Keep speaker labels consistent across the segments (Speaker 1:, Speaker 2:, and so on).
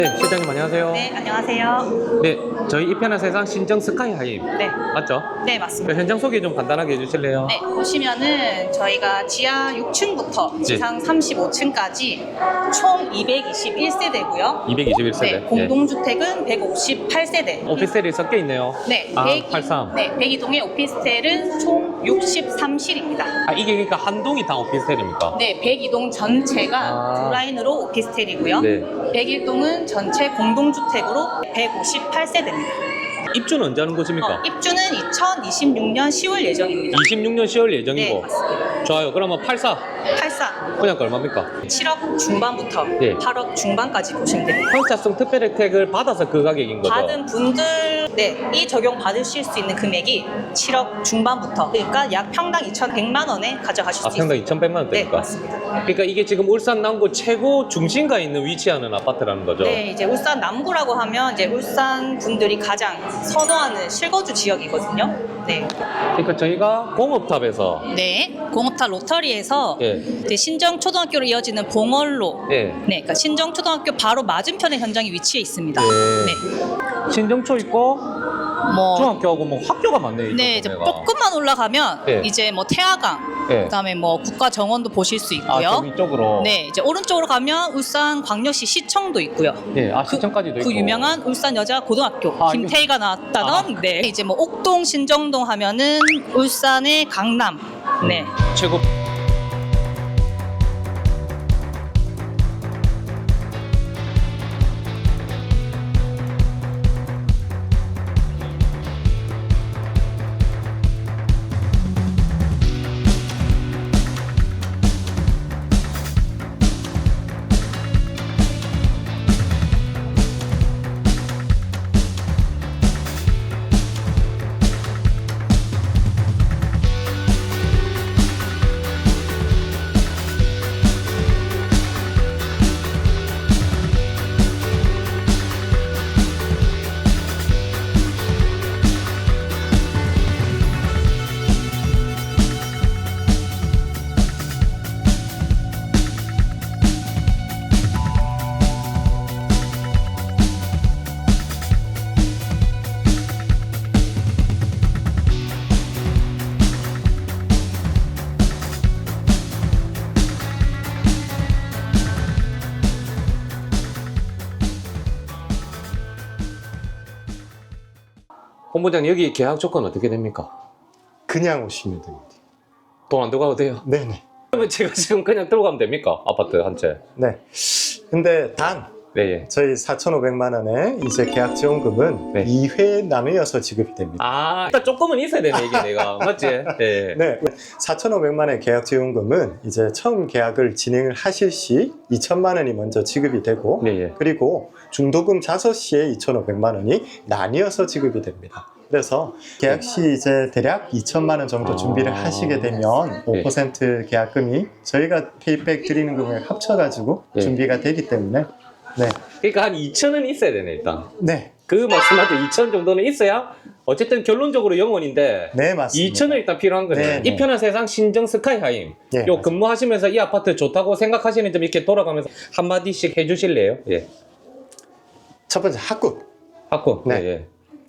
Speaker 1: 네, 실장님 안녕하세요.
Speaker 2: 네, 안녕하세요.
Speaker 1: 네, 저희 이편한 세상 신정 스카이하임
Speaker 2: 네,
Speaker 1: 맞죠?
Speaker 2: 네, 맞습니다.
Speaker 1: 그 현장 소개 좀 간단하게 해주실래요?
Speaker 2: 네, 보시면은 저희가 지하 6층부터 지상 35층까지 총 221세대고요.
Speaker 1: 221세대.
Speaker 2: 네, 공동주택은 158세대.
Speaker 1: 오피스텔이 섞여 있네요.
Speaker 2: 네,
Speaker 1: 아,
Speaker 2: 102,
Speaker 1: 83.
Speaker 2: 네, 102동의 오피스텔은 총 63실입니다.
Speaker 1: 아, 이게 그러니까 한 동이 다 오피스텔입니까?
Speaker 2: 네, 102동 전체가
Speaker 1: 아.
Speaker 2: 두 라인으로 오피스텔이고요.
Speaker 1: 네.
Speaker 2: 101동은 전체 공동주택으로 158세대입니다.
Speaker 1: 입주는 언제 하는 곳입니까?
Speaker 2: 입주는 2026년 10월 예정입니다.
Speaker 1: 26년 10월 예정이고.
Speaker 2: 네, 맞습니다.
Speaker 1: 좋아요. 그러면 84
Speaker 2: 84,
Speaker 1: 분양가 얼마입니까?
Speaker 2: 7억 중반부터
Speaker 1: 네.
Speaker 2: 8억 중반까지 보시면 됩니다.
Speaker 1: 환차성 특별 혜택을 받아서 그 가격인 거죠?
Speaker 2: 받은 분들, 네, 이 적용 받으실 수 있는 금액이 7억 중반부터, 그러니까 약 평당 2,100만 원에 가져가실
Speaker 1: 아,
Speaker 2: 수
Speaker 1: 평당
Speaker 2: 있습니다.
Speaker 1: 2,100만
Speaker 2: 네,
Speaker 1: 원대니까?
Speaker 2: 맞습니다.
Speaker 1: 그러니까 이게 지금 울산 남구 최고 중심가에 있는 위치하는 아파트라는 거죠?
Speaker 2: 네, 이제 울산 남구라고 하면 이제 울산 분들이 가장 선호하는 실거주 지역이거든요. 네.
Speaker 1: 그러니까 저희가 공업탑에서
Speaker 2: 네, 공업탑 로터리에서
Speaker 1: 예.
Speaker 2: 이제 신정초등학교로 이어지는 봉월로,
Speaker 1: 예.
Speaker 2: 네, 그러니까 신정초등학교 바로 맞은편에 현장이 위치해 있습니다.
Speaker 1: 네.
Speaker 2: 네.
Speaker 1: 신정초 있고
Speaker 2: 뭐
Speaker 1: 중학교하고 뭐 학교가 많네요.
Speaker 2: 네, 이제
Speaker 1: 동네가.
Speaker 2: 조금만 올라가면
Speaker 1: 네.
Speaker 2: 이제 뭐 태화강,
Speaker 1: 네.
Speaker 2: 그다음에 뭐 국가정원도 보실 수
Speaker 1: 아,
Speaker 2: 있고요.
Speaker 1: 좀 이쪽으로.
Speaker 2: 네, 이제 오른쪽으로 가면 울산 광역시 시청도 있고요.
Speaker 1: 네, 아 시청까지도 있고.
Speaker 2: 그 유명한 울산 여자 고등학교
Speaker 1: 아,
Speaker 2: 김태희가 나왔다던 네, 이제 뭐 옥동 신정동 하면은 울산의 강남. 네.
Speaker 1: 최고. 본부장 여기 계약 조건 어떻게 됩니까?
Speaker 3: 그냥 오시면 됩니다.
Speaker 1: 돈 안 들고 가도 돼요?
Speaker 3: 네네.
Speaker 1: 그러면 제가 지금 그냥 들고 가면 됩니까? 아파트 한 채.
Speaker 3: 네. 근데 단
Speaker 1: 네, 예.
Speaker 3: 저희 4,500만 원의 이제 계약 지원금은
Speaker 1: 네.
Speaker 3: 2회 나누어서 지급이 됩니다.
Speaker 1: 아, 일단 조금은 있어야 되네 이게 내가 맞지? 네.
Speaker 3: 네. 4,500만 원의 계약 지원금은 이제 처음 계약을 진행을 하실 시 2천만 원이 먼저 지급이 되고
Speaker 1: 네, 예.
Speaker 3: 그리고 중도금 자섯 시에 2,500만 원이 나뉘어서 지급이 됩니다. 그래서 계약 시 이제 대략 2천만 원 정도 준비를 하시게 되면 5% 계약금이 저희가 페이백 드리는 금액 합쳐가지고
Speaker 1: 네.
Speaker 3: 준비가 되기 때문에 네.
Speaker 1: 그러니까 한 2천은 있어야 되네 일단.
Speaker 3: 네.
Speaker 1: 그 말씀하신 2천 정도는 있어야 어쨌든 결론적으로 영원인데
Speaker 3: 네, 맞습니다.
Speaker 1: 2천은 일단 필요한 거네요.
Speaker 3: 네, 네.
Speaker 1: 이 편한 세상 신정 스카이하임.
Speaker 3: 네,
Speaker 1: 요
Speaker 3: 맞아요.
Speaker 1: 근무하시면서 이 아파트 좋다고 생각하시는 점 이렇게 돌아가면서 한마디씩 해주실래요? 예.
Speaker 3: 첫 번째 학군.
Speaker 1: 학군.
Speaker 3: 네.
Speaker 1: 예, 예.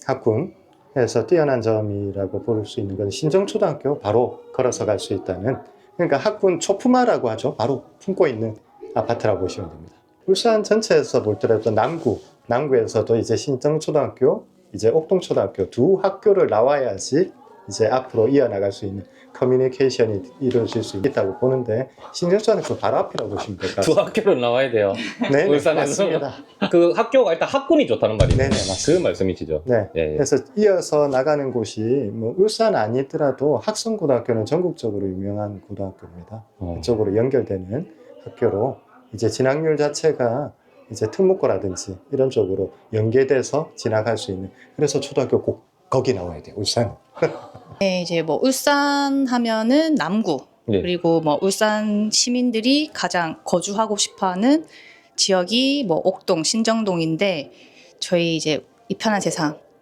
Speaker 3: 학군에서 뛰어난 점이라고 볼 수 있는 건 신정초등학교 바로 걸어서 갈 수 있다는, 그러니까 학군 초품화라고 하죠. 바로 품고 있는 아파트라고 보시면 됩니다. 울산 전체에서 볼 때라도 남구에서도 이제 신정초등학교, 이제 옥동초등학교 두 학교를 나와야지 이제 앞으로 이어나갈 수 있는 커뮤니케이션이 이루어질 수 있다고 보는데, 신정초등학교 바로 앞이라고 보시면 될 것
Speaker 1: 두
Speaker 3: 같습니다.
Speaker 1: 학교를 나와야 돼요.
Speaker 3: 네,
Speaker 1: 울산에서.
Speaker 3: 맞습니다.
Speaker 1: 그 학교가 일단 학군이 좋다는 말이죠.
Speaker 3: 네네, 맞습니다.
Speaker 1: 그 말씀이시죠.
Speaker 3: 네.
Speaker 1: 예, 예.
Speaker 3: 그래서 이어서 나가는 곳이 뭐 울산 아니더라도 학성고등학교는 전국적으로 유명한 고등학교입니다. 그쪽으로 연결되는 학교로 이제 진학률 자체가 이제 특목고라든지 이런 쪽으로 연계돼서 진학할 수 있는, 그래서 초등학교 꼭 거기 나와야 돼요, 울산.
Speaker 2: 네, 이제 뭐 울산 하면은 남구,
Speaker 1: 네.
Speaker 2: 그리고 뭐 울산 시민들이 가장 거주하고 싶어하는 지역이 뭐 옥동, 신정동인데 저희 이제 이 편한 세상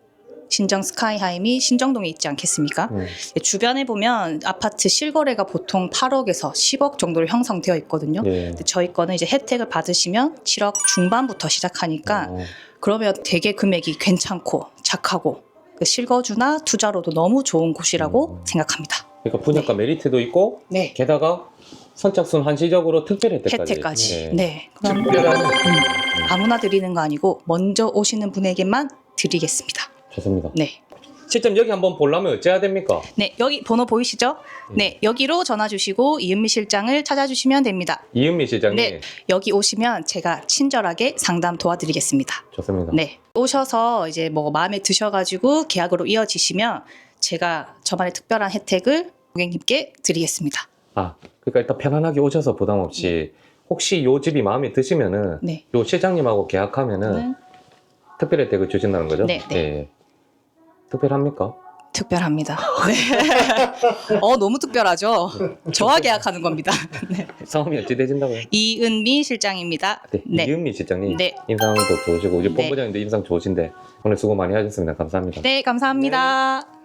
Speaker 2: 신정 스카이하임이 신정동에 있지 않겠습니까? 주변에 보면 아파트 실거래가 보통 8억에서 10억 정도로 형성되어 있거든요.
Speaker 1: 예.
Speaker 2: 근데 저희 거는 이제 혜택을 받으시면 7억 중반부터 시작하니까 그러면 되게 금액이 괜찮고 착하고 그 실거주나 투자로도 너무 좋은 곳이라고 생각합니다.
Speaker 1: 그러니까 분양가 메리트도 있고
Speaker 2: 네.
Speaker 1: 게다가 선착순 한시적으로 특별 혜택까지.
Speaker 2: 혜택까지.
Speaker 1: 예.
Speaker 2: 네. 그럼
Speaker 1: 특별한
Speaker 2: 아무나 드리는 거 아니고 먼저 오시는 분에게만 드리겠습니다.
Speaker 1: 좋습니다.
Speaker 2: 네.
Speaker 1: 실점 여기 한번 보려면 어째야 됩니까?
Speaker 2: 네, 여기 번호 보이시죠? 네, 여기로 전화 주시고 이은미 실장을 찾아주시면 됩니다.
Speaker 1: 이은미 실장님.
Speaker 2: 네, 여기 오시면 제가 친절하게 상담 도와드리겠습니다.
Speaker 1: 좋습니다.
Speaker 2: 네, 오셔서 이제 뭐 마음에 드셔가지고 계약으로 이어지시면 제가 저만의 특별한 혜택을 고객님께 드리겠습니다.
Speaker 1: 아, 그러니까 일단 편안하게 오셔서 부담 없이 혹시 요 집이 마음에 드시면은
Speaker 2: 네.
Speaker 1: 요 실장님하고 계약하면은 특별 혜택을 주신다는 거죠?
Speaker 2: 네, 네.
Speaker 1: 예. 특별합니까?
Speaker 2: 특별합니다. 네. 너무 특별하죠? 저와 계약하는 겁니다. 네.
Speaker 1: 성함이 어찌 되신다고요?
Speaker 2: 이은미 실장입니다.
Speaker 1: 네,
Speaker 2: 네.
Speaker 1: 이은미 실장님.
Speaker 2: 네.
Speaker 1: 인상도 좋으시고 이제
Speaker 2: 네.
Speaker 1: 본부장님도 인상 좋으신데 오늘 수고 많이 하셨습니다. 감사합니다.
Speaker 2: 네, 감사합니다.